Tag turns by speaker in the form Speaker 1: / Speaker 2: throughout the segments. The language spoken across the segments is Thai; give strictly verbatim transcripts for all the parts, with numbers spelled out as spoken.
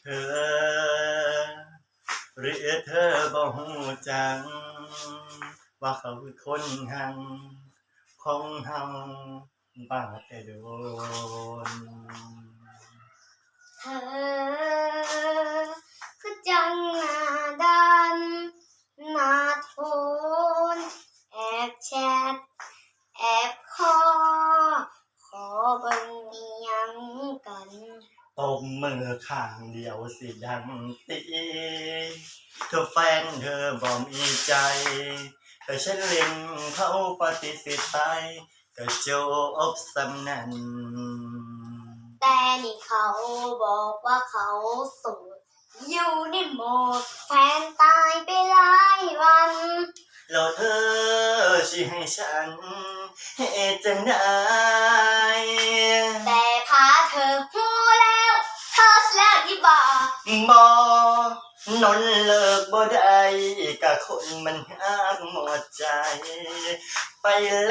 Speaker 1: เธอหรือเธอบ่ฮู้จังว่าเขาคือคนหังของเฮาบ้าแต่โดน
Speaker 2: เธอคือจังหน้าดันหน้าโทนแอบแชทแอบคอขอเบิ่งอีหยังกัน
Speaker 1: ตบมือข้างเดียวสิดังตีเธอแฟนเธอบ่มีใจแต่ฉันเล่นเขาปฏิเสธไปก็จบสำนัน
Speaker 2: แต่นี่เขาบอกว่าเขาโสดอยู่ในโหมดแฟนตายไปหลายวัน
Speaker 1: แล้วเธอสิให้ฉันเฮ็ดจังได๋
Speaker 2: แต่พาเธอหูแล้วเธอแล้วดีบ่
Speaker 1: บ่นอนเลิกบ่ได้กะคนมันหักหมดใจไป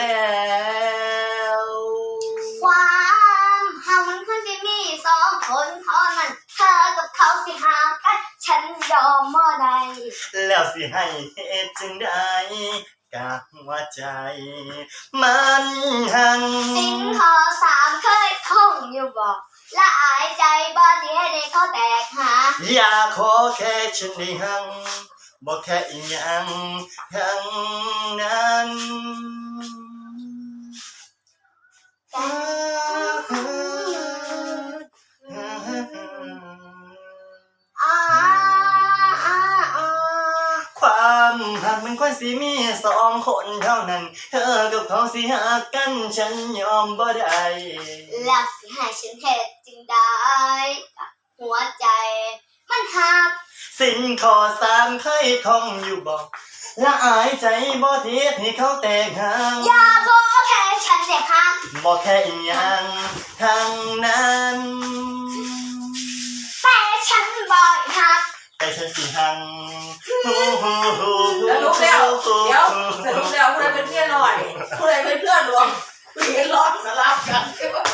Speaker 1: แล้ว
Speaker 2: ความหามันคือสิมีสองคนเท่านั้นเธอกับเขาสิหากันฉันยอมบ่ได้
Speaker 1: แล้วสิให้เฮ็ดจังได๋กะหัวใจมันหัง
Speaker 2: สิ่งข้อสามเคยท่องอยู่บ่ละอายใจบ่ที่ให้ได้เขาแตกหา
Speaker 1: อยากขอแค่ฉันได้หังบ่แค่อีหยังทั้งนั้นความหักมันควรสิมีสองคนเท่านั้นเธอกับเขาสิหักกันฉันยอมบ่ได้
Speaker 2: แล้วสิให้ฉันเฮ็ดจึงได้หัวใจมันหัก
Speaker 1: สิ่งข้อสามเคยท่องอยู่บ่ละอายใจบ่ที่ให้เขาแตกหัก
Speaker 2: อย่าขอแค่ฉันเสียหัก
Speaker 1: บ่แค่อีหยังทั้งนั้น
Speaker 2: แต่ฉันบ่หัก
Speaker 1: แต่ฉันสิหัง
Speaker 3: สรุปแล้วเดี๋ยวสรุปแล้วผู้ใดเป็นเพื่อนหน่อยผู้ใดเป็นเพื่อนรวมเพื่อนรอดสลับกัน